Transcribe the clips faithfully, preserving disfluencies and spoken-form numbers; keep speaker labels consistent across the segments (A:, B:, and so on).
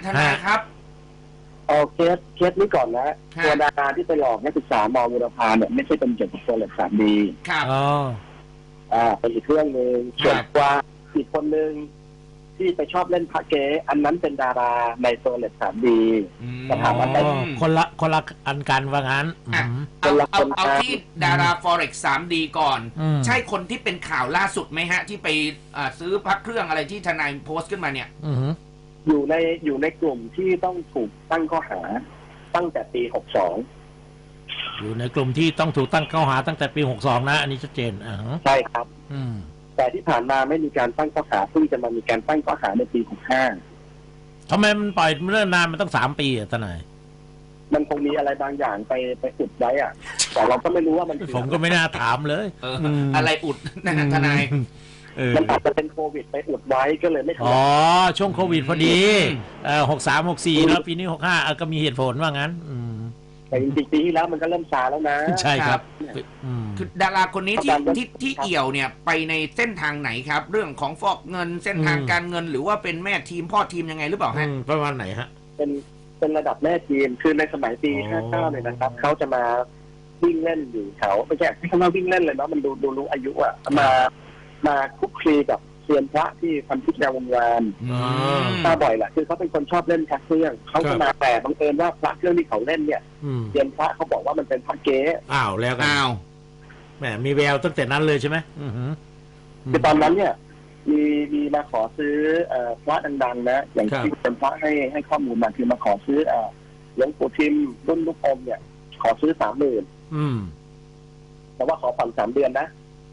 A: ทนายครับ
B: เอาเคสเคสนี้ก่อนนะตัวดาราที่ไปหลอกนักศึกษามอบุรพาเนี่ยไม่ใช่เป็นเกี่ยวกับโซเลตสามดี
A: ครับ
C: อ๋อ
B: อ่าเป็นอีกเรื่องหนึ่งส่วนกว่าอีกคนหนึ่งที่ไปชอบเล่นพระเก๊อันนั้นเป็นดาราในโซเลตสามดี
C: แต่ถามว่าคนละคนละอันกันว่างั้น
A: เอาเอาเอาที่ดารา Forex สามดี ก่อนใช่คนที่เป็นข่าวล่าสุดไหมฮะที่ไปซื้อพระเครื่องอะไรที่ทนายโพสต์ขึ้นมาเนี่ย
B: อยู่ในอยู่ในกลุ่มที่ต้องถูกตั้งข้อหาตั้งแต่ปีหกสอง
C: อยู่ในกลุ่มที่ต้องถูกตั้งข้อหาตั้งแต่ปีหกสองนะอันนี้ชัดเจนอ่า
B: ใช่ครับ
C: อืม
B: แต่ที่ผ่านมาไม่มีการตั้งข้อหาเพิ่งจะมามีการตั้งข้อหาในปีหกห้า
C: ทำไมมันปล่อยเรื่องนานมันตั้งสามปีอ่ะทนาย
B: มันคงมีอะไรบางอย่างไปไปอุดไว้อ่ะแต่เราก็ไม่รู้ว่ามัน
C: ผมก็ไม่น่าถามเลย
A: อะไรอุดนะทนาย
B: มันอาจจะเป็นโควิดไปอุดไว้ก็เลยไม่
C: อ๋อช่วงโควิดพอดีเอ่อหกสามหกสี่แล้วปีนี้หกห้าก็มีเหตุผลว่างั้น
B: แต่จริงๆปีที่แล้วมันก็เริ่มซาแล้วนะ
C: ใช่ครับ
A: คือดาราคนนี้ที่ที่ที่เอี่ยวเนี่ยไปในเส้นทางไหนครับเรื่องของฟอกเงินเส้นทางการเงินหรือว่าเป็นแม่ทีมพ่อทีมยังไงหรือเปล่าฮะ
C: ประมาณไหนฮะ
B: เป็นเป็นระดับแม่ทีมคือในสมัยปีห้าเก้าเนี่ยนะครับเขาจะมาวิ่งเล่นอยู่แถวไม่ใช่ไม่ใช่ว่าวิ่งเล่นเลยเนาะมันดูดูรู้อายุอะมามาคุกคีกับเซียนพระที่พันทิพย์แนววงวานมาบ่อยแหละคือเขาเป็นคนชอบเล่นพระเครื่องเขาจะมาแต่บังเอิญว่าพระเครื่องที่เขาเล่นเนี่ยเซียนพระเขาบอกว่ามันเป็นพระเก๊
C: อ้าวแล้วกันอ้าวแหมมีแววตั้งแต่นั้นเลยใช่ไหม
B: คือตอนนั้นเนี่ยมีมีมาขอซื้อพระดังๆนะอย่างที่เป็นพระให้ให้ข้อมูลมาคือมาขอซื้อหลวงปู่ทิมรุ่นลูกอมเนี่ยขอซื้อสามหมื่นแต่ว่าขอผ่อนสามเดือนนะ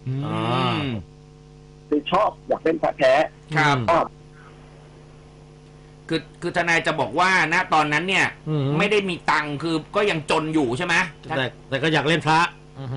B: คือชอบอยากเล่นพระแท้
A: ครับคือคือทนายจะบอกว่าณตอนนั้นเนี่ยไม่ได้มีตังค์คือก็ยังจนอยู่ใช่ไหม
C: แต่แต่ก็อยากเล่นพระ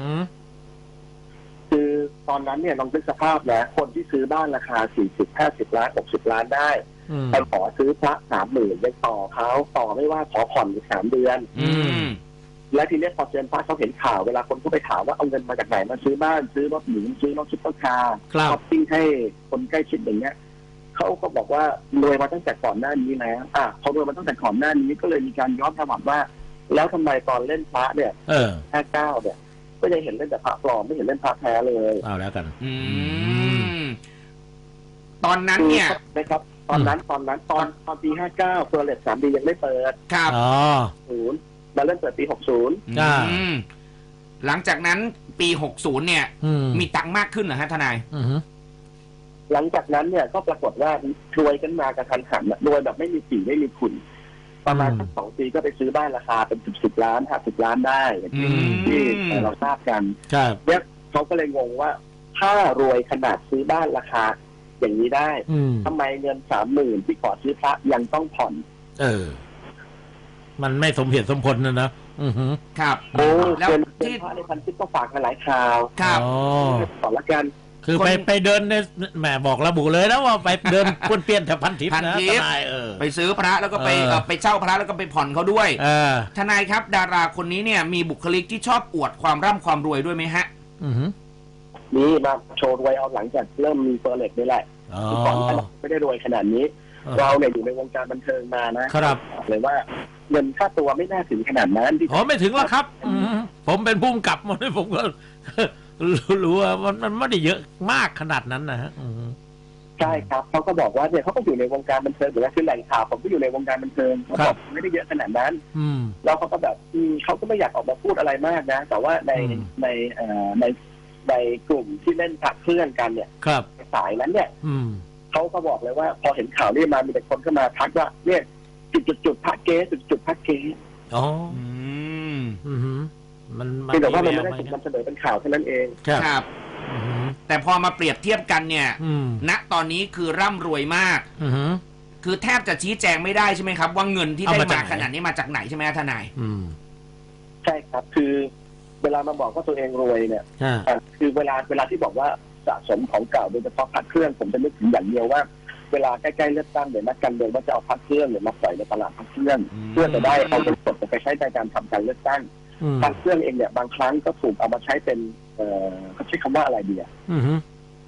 B: คือตอนนั้นเนี่ยลองนึกสภาพนะคนที่ซื้อบ้านราคาสี่สิบห้าสิบล้านหกสิบล้านได้ไปขอซื้อพระสามหมื่นยังต่อเขาต่อไม่ว่าขอผ่อนอีกสามเดือนและทีนี้พอเซียนพระเขาเห็นข่าวเวลาคนเขาไปถามว่าเอาเงินมาจากไหนมาซื้อบ้านซื้อรถหรูซื้อรถซุปเปอร์คาร์ช้อปปิ้งให้คนใกล้ชิดอย่างเงี้ยเขาก็บอกว่ารวยมาตั้งแต่ก่อนหน้านี้แล้วอ่ะเขารวยมาตั้งแต่ก่อนหน้านี้ก็เลยมีการย้อนถามว่าแล้วทำไมตอนเล่นพระเนี่ยห้าเก้าเนี่ยก็ยังเห็นเล่นแต่พระปลอมไม่เห็นเล่นพระแท้เลย
C: เอาแล้วกัน
A: อืมตอนนั้นเนี่ย
B: นะครับตอนนั้นตอนนั้นตอนตอนปีห้าเก้าเฟอร์เรสสามดียังไม่เปิด
A: ครับอ๋อ
B: ศูนย์มาเริ่มเปิดปีหกสิบ
A: หลังจากนั้นปีหกสิบเนี่ยมีตังค์มากขึ้นเหรอฮะทนาย
B: หลังจากนั้นเนี่ยก็ปรากฏว่ารวยกันมากระทันหันรวยแบบไม่มีสีไม่มีขุนประมาณสักสองปีก็ไปซื้อบ้านราคาเป็นสิบสิบล้านห้าสิบล้านได้ที่ที่เราทราบกันเนี่ยเขาก็เลยงงว่าถ้ารวยขนาดซื้อบ้านราคาอย่างนี้ได้ทำไมเงินสามหมื่นที่ขอซื้อพระยังต้องผ่อนเออ
C: มันไม่สมเหตุสมผลนะนะอือฮึ
A: ครับ
B: โอ้แล้วที่พระในพันทิพย์ก็ฝากมาหลายข่าว
A: ครับ
B: อ๋อขอละกัน
C: คือไปไปเดินในแหมบอกระบุเลยนะว่าไปเดินป้วนเปี้ยนแถวพันทิพย์นะทนายเออ
A: ไปซื้อพระแล้วก็ไปไปเช่าพระแล้วก็ไปผ่อนเขาด้วยทนายครับดาราคนนี้เนี่ยมีบุคลิกที่ชอบอวดความร่ำความรวยด้วยไหมฮะ
C: อือฮึ
B: นี่มาโชว์รวยเอาหลังจากเริ่มมีเฟอร์เรสนี่แหละก่อนไม่ได้รวยขนาดนี้เราเนี่ยอยู่ในวงการบันเทิงมานะครับเลยว่าเงินค่าตัวไม่น่าถึงขนาดนั้น
C: อ๋อไม่ถึงแล้วครับผมเป็นผู้กำกับมาด้วยผมก็รู้ว่ามันไม่ได้เยอะมากขนาดนั้นนะฮะ
B: ใช่ครับเขาก็บอกว่าเนี่ยเขาก็อยู่ในวงการบันเทิงอยู่แล้วคือแหล่งข่าวผมก็อยู่ในวงการบันเทิงเขาบอกไม่ได้เยอะขนาดนั้นแล้วเขาก็แบบเขาก็ไม่อยากออกมาพูดอะไรมากนะแต่ว่าในในในในกลุ่มที่เล่นพระเครื่องกันเนี่ยสายนั้นเนี่ยเขาก็บอกเลยว่าพอเห็นข่าวนี้มามีแต่คนเข้ามาทักว่าเนี่ยจุดจุดจุดพระเก๊จุดจุดพระเก๊
C: อ๋อ
B: อืมมันมันแต่ว่ามันไม่ได้ถูกนำเสนอเป็นข่าวเท่านั้นเอง
A: ครับแต่พอมาเปรียบเทียบกันเนี่ยณตอนนี้คือร่ำรวยมากคือแทบจะชี้แจงไม่ได้ใช่ไหมครับว่าเงินที่ได้มาขนาดนี้มาจากไหนใช่ไหมทนาย
B: ใช่ครับคือเวลามาบอกว่าตัวเองรวยเนี่ยคือเวลาเวลาที่บอกว่าสะสมของเก่าโดยเฉพาะพระเครื่องผมจะนึกถึงอย่างเดียวว่าเวลาใกล้ๆเลือกตั้งเดี๋ยวนักการเมืองว่าจะเอาพระเครื่องหรือมาปล่อยในตลาดพระเครื่องเพื่อจะได้เอาเงินสดไปใช้ในการทำการเลือกตั้งพระเครื่องเองเนี่ยบางครั้งก็ถูกเอามาใช้เป็นเอ่อเขาใช้คำว่าอะไรดีอ่ะ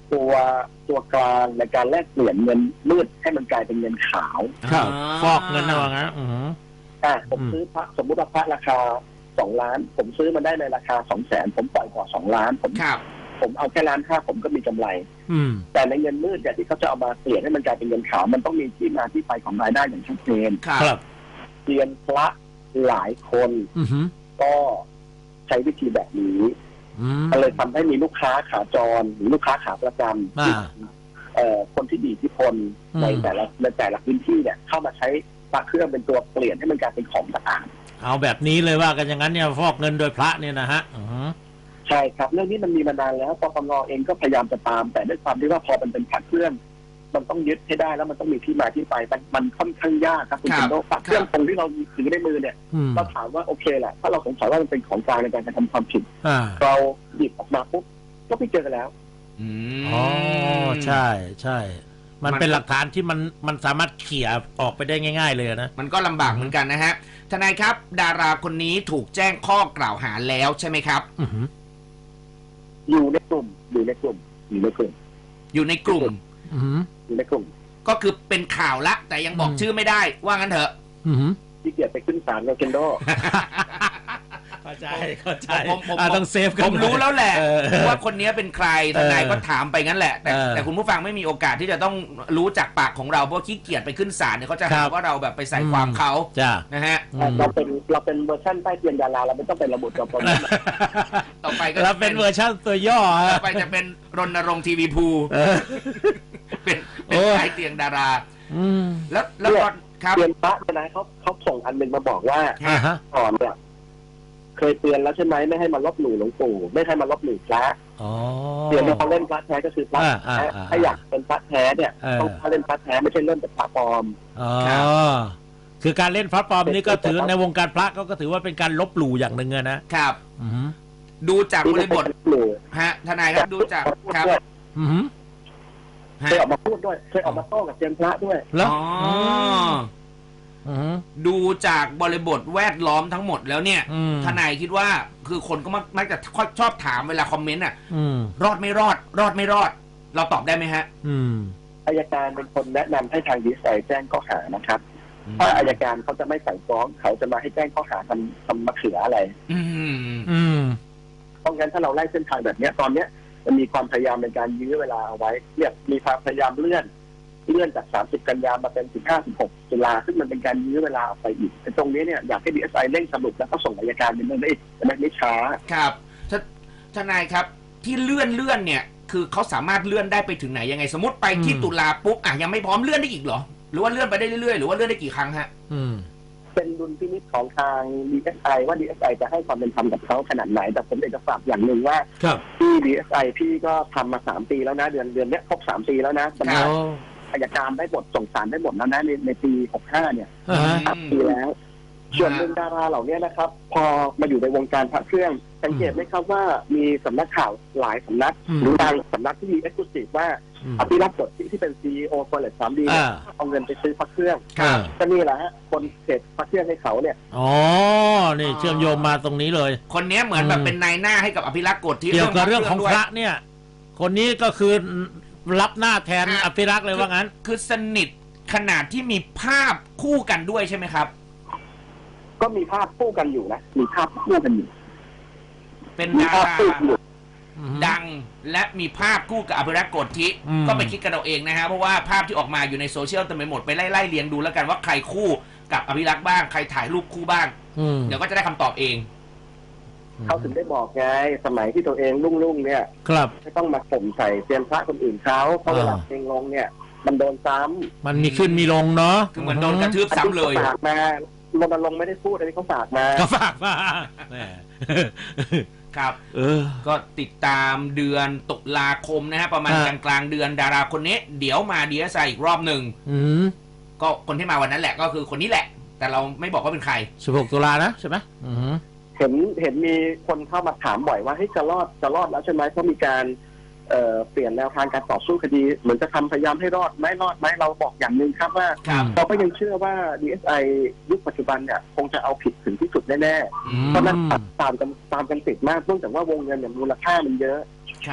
B: ตัวตัวกลางในการแลกเปลี่ยนเงินมืดให้มันกลายเป็นเงินขาว
C: ครับฟอกเงินนะว่างั้นอืม
B: อ่ะผมซื้อพระสมมุติว่าพระราคาสองล้านผมซื้อมาได้ในราคาสองแสนผมปล่อยก่อสองล้านผม
A: ครับ
B: ผมเอาแค่ล้านห้าผมก็มีกำไร
C: อืม
B: แต่ในเงินมืดเนี่ยที่เขาจะเอามาเปลี่ยนให้มันกลายเป็นเงินขาวมันต้องมีที่มาที่ไปของรายได้อย่างชัดเจน
A: ครับ
C: ครับ
B: เรียนพระหลายคน
C: อือหือ
B: ก็ใช้วิธีแบบนี้
C: อืม
B: ก็เลยทำให้มีลูกค้าขาจรหรือลูกค้าขาประจำที่
C: อ่า
B: เอ่อคนที่มีอิทธิพล
C: อืม
B: ในแต่ละในแต่ละพื้นที่เนี่ยเข้ามาใช้พระเครื่องเป็นตัวเปลี่ยนให้มันกลายเป็นของสะอาด
C: เอาแบบนี้เลยว่ากันอย่างนั้นเนี่ยฟอกเงินโดยพระเนี่ยนะฮะอือหือ
B: ใช่ครับเรื่องนี้มันมีมานานแล้วปปงเองก็พยายามจะตาม แต่ด้วยความที่ว่าพอมันเป็นพระเครื่อง มันต้องยึดให้ได้แล้วมันต้องมีที่มาที่ไปมันมันค่อนข้างยากครับคุณ
A: ครับ
B: เป็นโดพระเครื่องตรงที่เราถือในมือเนี่ย
C: อืม
B: เราถามว่าโอเคแหละถ้าเราสงสัยว่ามันเป็นของกลางในการกระทำความผิด
C: อ่า
B: เราหยิบออกมาปุ๊บก็ไม่เจอกันแล้ว
A: อืม
C: อ๋อใช่ใช่ มัน
A: มัน
C: เป็นหลักฐานที่มันมันสามารถเขี่ยออกไปได้ง่าย ๆ เลยนะ
A: มันก็ลำบากเหมือนกันนะฮะทนายครับ ดาราคนนี้ถูกแจ้งข้อกล่าวหาแล้วใช่ไหมครับ
C: อือหือ
B: อยู่ในกลุ่มอยู่ในกลุ่มอยู่ในกลุ่ม
A: อยู่ในกลุ่ม
C: อือหือ
B: อยู่ในกลุ่ม
A: ก็คือเป็นข่าวละ แต่ยังบอก
C: อืม
A: ชื่อไม่ได้ว่างั้นเถอะ
C: อือหือ
B: ที่เกียรไปขึ้นศาลโรเคนโด
C: เข้าใจเข้าใจ
A: ผมผม
C: อ่าต้องเซฟกัน
A: ผมรู้แล้วแหละ
C: เออ
A: ว่าคนนี้เป็นใครทนายก็ถามไปงั้นแหละ แต่
C: เออ
A: แต่คุณผู้ฟังไม่มีโอกาสที่จะต้องรู้จากปากของเราเพราะขี้เกียจไปขึ้นศาลเนี่ยเขาจะ
C: ครั
A: หา
C: บ
A: ว่าเราแบบไปใส่ความเขา
C: จ้า
A: นะฮะ
B: เราเป็นเราเป็นเวอร์ชั่นใต้เตียงดาราเราไม่ต้องเป็นระบุตัวตน
A: ต่อไปก็
C: เรา
A: จะ
C: เป็นเวอร์ชันตัวย่อ
A: ต่
C: ฮะ
A: อไปจะเป็นรณรงค์ทีวีภู
C: เออ
A: เป็นเป็น
C: โอ้ย
A: สายเตียงดารา
C: อืม
A: แล้วแล้วตอนครับ
B: เตือนพระเนี่ยนะเขาเขาส่งอันหนึ่งมาบอกว่า
C: อ่าฮะ
B: ก่อนเนี่ยเคยเตือนแล้วใช่ไหมไม่ให้มาลบหลู่หลวงปู่ไม่ให้มาลบหลู่พระ
C: อ๋อ
B: เตือนว่าเขาเล่นพระแท้ก็คือพระ
C: อ่า
B: แท้
C: อ่าอ่า
B: ถ้าอยากเป็นพระแท้เนี่ย
C: เออ
B: ต้องเล่นพระแท้ไม่ใช่เล่นแต่พระปลอม
C: อ๋อคือการเล่นพระปลอมนี่ก็ถือในวงการพระก็ก็ถือว่าเป็นการลบหลู่อย่างหนึ่งอะนะครับ อืม
A: ดูจาก
B: ที่
A: บ
B: ไม่
A: ริ
B: ใช่
A: บท
B: ลบหลู่
A: ฮะทนายครับดูจากครับ
C: อืม
A: ฮะ
B: เคยออกมาพูดด้วยเคยออกมาโต้กับเซียนพระด้วย
C: แล้ว
A: อ๋ออ
C: อืม
A: ดูจากบริบทแวดล้อมทั้งหมดแล้วเนี่ย
C: อืม
A: ทนายคิดว่าคือคนก็มักมักจะชอบถามเวลาคอมเมนต์อ่ะ
C: อืม
A: รอดไม่รอด รอดไม่รอด เราตอบได้ไหมฮะ
C: อืม
B: อัยการเป็นคนแนะนำให้ทางดีไซน์แจ้งข้อหานะครับถ้าอัยการเขาจะไม่สั่งฟ้องเขาจะมาให้แจ้งข้อหาทำทำมะเขืออะไร
A: อืม
C: อืม
B: เพราะงั้นถ้าเราไล่เส้นทางแบบเนี้ยตอนเนี้ยมันมีความพยายามในการยื้อเวลาเอาไว้เนี่ยมีความพยายามเลื่อนเลื่อนจากสามสิบกันยามาเป็นสิบห้า สิบหกตุลาซึ่งมันเป็นการยื้อเวลาออกไปอีกแต่ตรงนี้เนี่ยอยากให้ดีเอสไอเร่งสรุปแล้วก็ส่งอัยการเป็นเรื่องได้ไม่ไม่ช้า
A: ครับททนายครับที่เลื่อนเลื่อนเนี่ย คือเขาสามารถเลื่อนได้ไปถึงไหนยังไง สมมติไปที่
C: อืม
A: ตุลาปุ๊บอ่ะยังไม่พร้อมเลื่อนได้อีกเหรอ หรือว่าเลื่อนไปได้เรื่อยๆหรือว่าเลื่อนได้กี่ครั้งฮะ
C: อืม
B: เป็นดุลพินิจของทาง ดี เอส ไอ ว่า ดี เอส ไอ จะให้ความเป็นธรรมกับเขาขนาดไหน แต่ผมอยากจะฝากอย่างหนึ่งว่า
C: ครับ
B: ที่ ดี เอส ไอ พี่ก็ทำมาสามปีแล้วนะเดือนเดือนเนี้ยครบสามปีแล้วนะสำห
A: ครั
B: รับบ อัยการได้บทส่งสารได้บทแล้วนะในในปีหกห้าเนี่ย
C: อ่าฮะ
B: สามปีแล้ว ส่วนหนึ่งดาราเหล่านี้นะครับ พอมาอยู่ในวงการพระเครื่อง สังเกตไหมครับว่ามีสำนักข่าวหลายสำนัก
C: อืม
B: หรือบางสำนักที่มีเอ็กซ์คลูซีฟว่า
C: อืม
B: อภิรักษ์กฎที่ที่เป็นซีอีโอโฟลเลตสามดี
C: อ่า
B: เอาเงินไปซื้อพระเครื่อง
C: ครับ
B: ก็นี่แหละฮะคนเสร็จพระเครื่องให้เขาเนี่ย
C: อ๋อ นี่เชื่อมโยงมาตรงนี้เลย
A: คนเนี้ยเหมือนแบบ
C: อืม
A: เป็นนายหน้าให้กับอภิรักษ์กฎที่
C: เกี่ยวกับเรื่องของ
A: ด้วย
C: พระเนี่ย คนนี้ก็คือรับหน้าแทน
A: อ่ะ
C: อภิรักษ์เลยว่างั้น
A: คือสนิทขนาดที่มีภาพคู่กันด้วยใช่ไหมครับ
B: ก็มีภาพคู่กันอยู่นะ มีภาพคู่กันอยู่
A: เป็น
B: มี
A: ดา
B: ภาพ
A: รา
B: คู่กันอยู่
A: ดังและมีภาพคู่กับอภิรักษ์โกธิ
C: อืม
A: ก็ไปคิดกันเอาเองนะฮะเพราะว่าภาพที่ออกมาอยู่ในโซเชียลเต็มไปหมดไปไล่ไล่เรียงดูแล้วกันว่าใครคู่กับอภิรักษ์บ้างใครถ่ายรูปคู่บ้าง
C: อืม
A: เดี๋ยวก็จะได้คำตอบเอง
B: เขาถึงได้บอกไงสมัยที่ตัวเองรุ่งๆเนี่ย
C: ครับ
B: ไม่ต้องมาข่มใส่เซียนพระคนอื่นเขาเพราะเวลา
C: อ่า
B: เพลงลงเนี่ย มันโดนซ้ำ
C: มันมีขึ้นมีลงเนาะ
A: คือเหมือนโดนกระทืบซ้ำเลย
B: ฝากมารณรงค์ไม่ได้พูดอันนี้เขาฝากมา
C: ก็ฝากมาแหม
A: ครับ
C: เออ
A: ก็ติดตามเดือนตุลาคมนะฮะประมาณ
C: อ่า
A: กลางกลางๆเดือนดาราคนนี้ เดี๋ยวมาดีเอสไออีกรอบหนึ่ง
C: อืม
A: ก็คนที่มาวันนั้นแหละก็คือคนนี้แหละ แต่เราไม่บอกว่าเป็นใคร
C: สิบหกตุลานะใช่ไหมอืม
B: เห็นเห็นมีคนเข้ามาถามบ่อยว่าให้ยจะรอดจะรอดแล้วใช่ไหมเพราะมีการเอ่อเปลี่ยนแนวทางการต่อสู้คดี เหมือนจะทำพยายามให้รอดไหมรอดไหมเราบอกอย่างหนึ่งครับว่า
A: ครับ
B: เราก็ยังเชื่อว่า ดี เอส ไอ ยุคปัจจุบันเนี่ยคงจะเอาผิดถึงที่สุดแน่
A: อื
B: ๆ
A: ม
B: เพราะนั้นตามกันตามกันติดมากเนื่องจากว่าวงเงินเนี่ยมูลค่ามันเยอะ
A: ครับ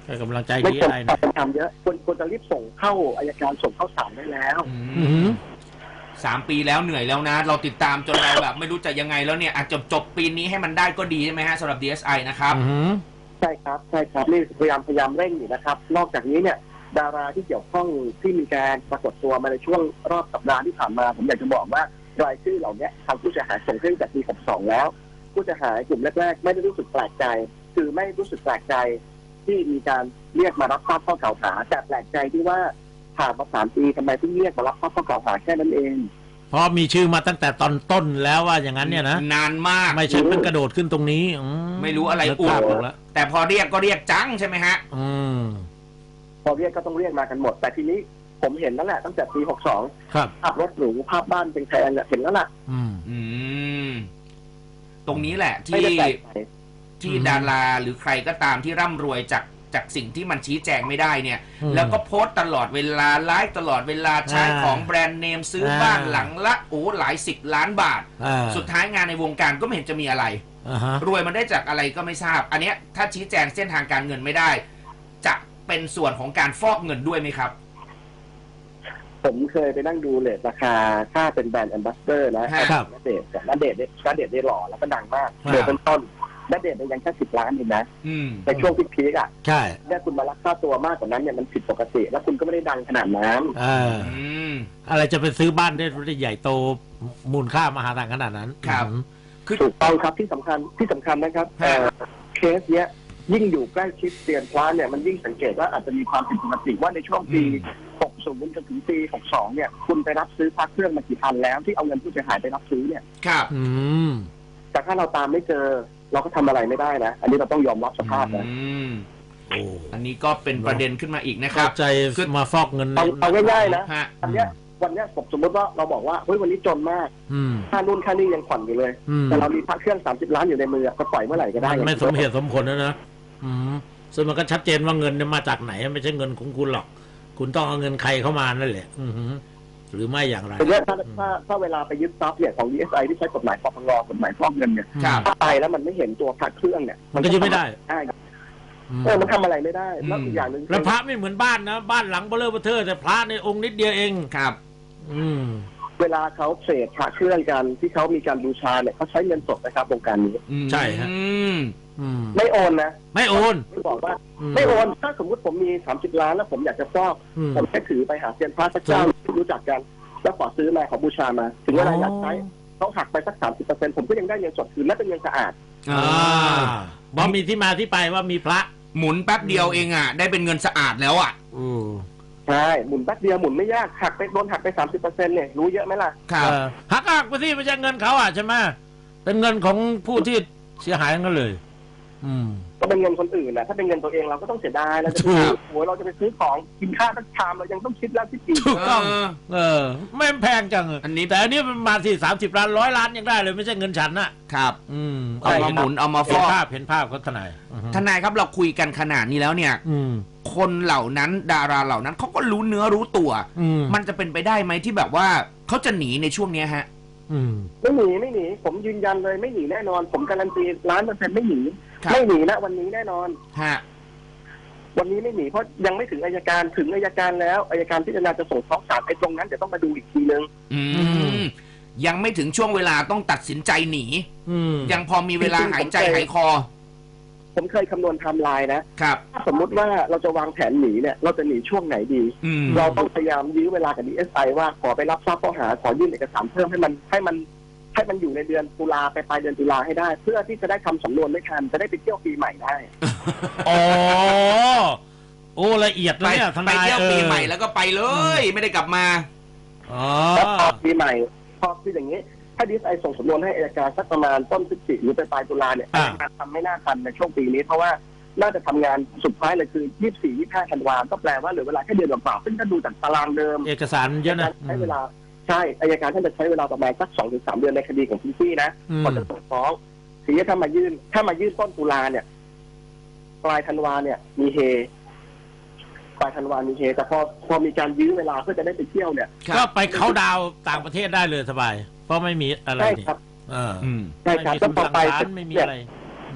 C: ให้กำลังใจ
B: ไม่
C: ดี
B: ควร
C: อะไรนะ
B: ทำเยอะควรควรจะรีบส่งเข้าอัยการส่งเข้าศาลได้แล้ว
C: อืม
A: สามปีแล้วเหนื่อยแล้วนะ เราติดตามจนเราแบบไม่รู้จะยังไงแล้วเนี่ยอาจจบจบปีนี้ให้มันได้ก็ดีใช่ไหมฮะสำหรับ ดี เอส ไอ นะครับ
C: อืม
B: ใช่ครับใช่ครับนี่พยายามพยายามเร่งอยู่นะครับ นอกจากนี้เนี่ยดาราที่เกี่ยวข้องที่มีการปรากฏตัวมาในช่วงรอบสัปดาห์ที่ผ่านมาผมอยากจะบอกว่ารายชื่อเหล่านี้ทางผู้เสียหายส่งขึ้นจากปีหกสองแล้วผู้เสียหายกลุ่มแรกๆไม่ได้รู้สึกแปลกใจคือไม่รู้สึกแปลกใจที่มีการเรียกมารับทราบข้อกล่าวหาแต่แปลกใจที่ว่าผ่านมาสามปีทำไมเพิ่งเรียกมารับทราบข้อกล่าวหาแค่นั้นเอง
C: เพราะมีชื่อมาตั้งแต่ตอนต้นแล้วว่าอย่างนั้นเนี่ยนะ
A: นานมาก
C: ไม่ใช่เพิ่งกระโดดขึ้นตรงนี้อื
A: ไม่รู้อะไร
C: นึก
A: อุ
C: ภาพ
A: ด
C: ออกแล้ว
A: แต่พอเรียกก็เรียกจังใช่ไหมฮะ
C: อืม
B: พอเรียกก็ต้องเรียกมากันหมดแต่ทีนี้ผมเห็นแล้วแหละตั้งแต่ปีหกสอง
C: ครับ
B: ภาพรถหรูภาพบ้านเป็นแพงเนี่ยเห็นแล้วล่ะ
C: อืม
A: อืม ตรงนี้แหละ
B: ไม่
A: ที่
B: ได้แปลกใจ
A: ที่
C: อืม
A: ดาราหรือใครก็ตามที่ร่ำรวยจากจากสิ่งที่มันชี้แจงไม่ได้เนี่ย
C: อืม
A: แล้วก็โพสต์ตลอดเวลาไลฟ์ตลอดเวลาใช้
C: อ่า
A: ของแบรนด์เนมซื้ออา บ้านหลังละโอ้หลายสิบล้านบาท
C: อ่า
A: สุดท้ายงานในวงการก็ไม่เห็นจะมีอะไร
C: อ่าฮะ
A: รวยมันได้จากอะไรก็ไม่ทราบ อันเนี้ยถ้าชี้แจงเส้นทางการเงินไม่ได้ จะเป็นส่วนของการฟอกเงินด้วยไหมครับ
B: ผมเคยไปนั่งดูเลทราคาถ้าเป็นแบรนด์แอมบาสเดอร์นะครับ ณเดชน์แต่ณเดชน์เนี่ยณเดชน์ได้หล่อแล้วก็ดังมาก
C: ครับ
B: เดือนต้นๆณเดชน์เนี่ยยังแค่สิบล้านเองนะ
A: อืม
B: ในช่วงพีคๆอ่ะ
C: ใช่
B: เนี่ยคุณมารักค่าตัวมากกว่านั้นเนี่ยมันผิดปกติ แล้วคุณก็ไม่ได้ดังขนาดนั้น
C: อ่า
A: อืม
C: อะไรจะไปซื้อบ้านได้ได้ใหญ่โตมูลค่ามหาศาลขนาดนั้น
A: ครับ
C: อืม
A: คือ
B: ถูกต้องครับที่สำคัญที่สำคัญนะครับ
A: ฮะ
B: เอ่อเคสเนี้ยยิ่งอยู่ใกล้ชิดเตียนพระเนี่ยมันยิ่งสังเกตว่าอาจจะมีความผิดปกติว่าในช่วงปี หกสิบ จนถึงปีหกสองเนี่ยคุณไปรับซื้อพระเครื่องมากี่พันแล้วที่เอาเงินผู้เสียหายไปรับซื้อเนี่ย
A: ครับ
C: อืม
B: แต่ถ้าเราตามไม่เจอเราก็ทำอะไรไม่ได้นะ อันนี้เราต้องยอมรับสภาพนะ
A: อืม
C: โอ้
A: อันนี้ก็เป็นประเด็นขึ้นมาอีกนะค
C: เข้า
A: รับ
C: ใจ
A: คือ
C: มาฟอกเงิน
B: เอาเอาง่ายๆนะ
A: ฮะ
B: อันเนี้ยวันเนี้ยผมสมมติว่าเราบอกว่าเฮ้ยวันนี้จนมาก
C: อืม
B: ค่านู่นค่านี่ยังผ่อนอยู่เลย
C: อืม
B: แต่เรามีพระเครื่องสามสิบล้านอยู่ในมือก็ปล่อยเมื่อไหร่ก็ได้
C: มันไม่สมเหตุสมผลนะนะอืมซึ่งมันก็ชัดเจนว่าเงินเนี่ยมาจากไหนไม่ใช่เงินของคุณหรอก คุณต้องเอาเงินใครเข้ามานั่นแหละ อือหือหรือไม่อย่างไร
B: แต่เนี่ยถ้าถ้าถ้าเวลาไปยึดทรัพย์เนี่ยของ ดี เอส ไอ ที่ใช้กฎหมายปปงกฎหมายฟอกเงินเนี่ย
A: ครับ
B: ถ้าไปแล้วมันไม่เห็นตัวพระเครื่องเนี่ย
C: มันก็ยึดไม่ได้
B: ได้
C: อืม
B: เออมันทำอะไรไม่ได้แล้ว
A: อืม
B: อีกอย่างหนึ่ง
C: แล้วพระไม่เหมือนบ้านนะบ้านหลังเบลเลอร์เบอร์เทอร์แต่พระในองค์นิดเดียวเอง
A: ครับ
C: อืม
B: เวลาเขาเทรดพระเครื่องกันที่เขามีการบูชาเนี่ยเขาใช้เงินสดนะครับวงการนี้
A: อืม
C: ใช่ฮะ
A: อืม
C: อืม
B: ไม่โอนนะ
C: ไม่โอน
B: ไม่บอกว่า
C: อืม
B: ไม่โอนถ้าสมมติผมมีสามสิบล้านแล้วผมอยากจะฟอก
C: อืม
B: ผมแค่ถือไปหาเซียนพระสักเจ้าที่รู้จักกัน แล้วขอซื้อมาขอบูชามา ถึงเวลาอยากใช้เขาหักไปสักสามสิบเปอร์เซ็นต์ผมก็ยังได้เงินสดคืนและเป็นเงินสะอาด
A: อ่
C: อ่า
A: า
C: บอมีที่มาที่ไปว่ามีพระ
A: หมุนแป๊บเดียวเองอ่ะ ได้เป็นเงินสะอาดแล้วอ่ะ
C: อืม
B: ใช่หมุนแป๊บเดียวหมุนไม่ยากหักไปโดนหักไปสามสิบเปอร์เซ็นต์เนี่ยรู้เยอะไหมล่ะ
A: ครับ
C: เออหักหักไปที่ไม่ใช่เงินเขาอ่ะใช่ไหมเป็นเงินของผู้ที่เสียหายกันเลย อืม
B: ก็เป็นเงินคนอื่นนะถ้าเป็นเงินตัวเองเราก็ต้องเสียดายเราจะ
C: ถู
B: ไป
C: ก
B: โอ้ยเราจะไปซื้อของกินข้าวสักชามเรายังต้องคิดแล้วคิดอีก
C: ถูกต้อง
A: เออ
C: เออ ไม่แพงจัง
A: อันนี้
C: แต่อันนี้มันมาที่สามสิบล้านร้อยล้านยังได้เลยไม่ใช่เงินฉันน่ะ
A: ครับ
C: อืม
A: เอามาหมุนเอามาฟ
C: เห็น
A: อก
C: ภาพเห็นภาพเขาทนายอือฮึ
A: ทนายครับเราคุยกันขนาดนี้แล้วเนี่ย
C: อืม
A: คนเหล่านั้นดาราเหล่านั้นเขาก็รู้เนื้อรู้ตัว
C: อืม
A: มันจะเป็นไปได้ไหมที่แบบว่าเขาจะหนีในช่วงเนี้ยฮะ
C: อืม
B: ไม่หนีไม่หนีผมยืนยันเลยไม่หนีแน่นอน ผมการันตีล้านเปอร์เซ็นต์ไม่หนี
A: ครับ
B: ไม่หนีนะวันนี้แน่นอน
A: ฮะ
B: วันนี้ไม่หนีเพราะยังไม่ถึงอัยการถึงอัยการแล้วอัยการพิจารณาจะส่งฟ้องศาลไอ้ตรงนั้นเดี๋ยวต้องมาดูอีกทีนึง
A: อื
C: อื
A: ม
C: ม
A: ยังไม่ถึงช่วงเวลาต้องตัดสินใจหนี
C: อืม
A: ยังพอมีเวลาหายใจหายคอ
B: ผมเคยคำนวณไทม์ไลน์นะครับ ถ้าสมมุติว่าเราจะวางแผนหนีเนี่ยเราจะหนีช่วงไหนดี
A: อืม
B: เราต้องพยายามยื้อเวลากับ ดี เอส ไอ ว่าขอไปรับทราบข้อหาขอยื่นเอกสารเพิ่มให้มันให้มันให้มันอยู่ในเดือนตุลาไปปลายเดือนตุลาให้ได้ เพื่อที่จะได้ทำสำนวนไม่ทันจะได้ไปเที่ยวปีใหม่ได้
C: อ๋อโอ้ละเอียด
A: ไป
C: นะเนี่ยท
A: ไป
C: นาย
A: เที่ยวปีใหม่
C: เออ
A: แล้วก็ไปเลย ไม่ได้กลับมา
C: อ๋อ
B: แล้วพอปีใหม่พอคืออย่างนี้ ถ้าดีเอสไอส่งสำนวนให้อัยการสักประมาณต้นพฤศจิกหรือไปปลายตุลาเนี่ยอัยการทำไม่น่าทันในช่วงปีนี้เพราะว่าน่าจะทำงานสุดท้ายเลยคือยี่สิบสี่ ยี่สิบห้าธันวาก็แปลว่าเหลือเวลาแค่เดือนกว่าๆซึ่งถ้าดูจากตารางเดิม
C: เอกสารเยอะนะ
B: ใช้เวลาใช่อัยการท่านจะใช้เวลาประมาณสักสองถึงสามเดือนในคดีของพี่ซี่นะ
C: อืม
B: ก่อนจะส่งฟ้องทีนี้ถ้ามายื่น ถ้ามายื่นต้นตุลาเนี่ยปลายธันวาเนี่ย มีเฮปลายธันวามีเฮแต่พอพอมีการยื้อเวลาเพื่อจะได้ไปเที่ยวเนี่ย
A: ครับ
C: ก็ไปเขาดาวน์ต่างประเทศได้เลยสบาย เพราะไม่มีอะไร
B: ใช่
C: นี่
B: ครับ
C: เออ
A: อืม
B: ใช่
C: ไม่
B: ครับ
C: มี
B: ก็
C: คำ
B: ต่อ
C: สั่ง
B: ไป
C: ศาลไม่มีอะไร อืม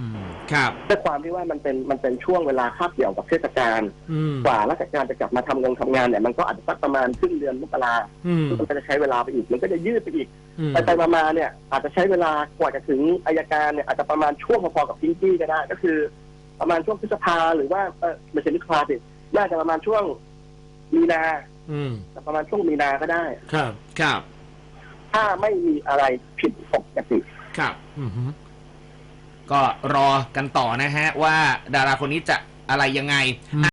A: ครับ
B: ด้วยความที่ว่ามันเป็นมันเป็นช่วงเวลาคาบเกี่ยวกับเทศกาลกว่าราชการจะกลับมาทำงานทำงานเนี่ยมันก็อาจจะสักประมาณครึ่งเดือนมกรามันก็จะใช้เวลาไปอีกมันก็จะยืดไปอีกไปไปมาๆเนี่ยอาจจะใช้เวลากว่าจะถึงอัยการเนี่ยอาจจะประมาณช่วงพอๆกับพิงกี้ก็ได้ก็คือประมาณช่วงพฤษภาหรือว่าเออไม่ใช่พฤษภาสิน่าจะประมาณช่วงมีนาประมาณช่วงมีนาก็ได้
C: ครับ
A: ครับ
B: ถ้าไม่มีอะไรผิดปกติ
A: ครับก็รอกันต่อนะฮะว่าดาราคนนี้จะอะไรยังไง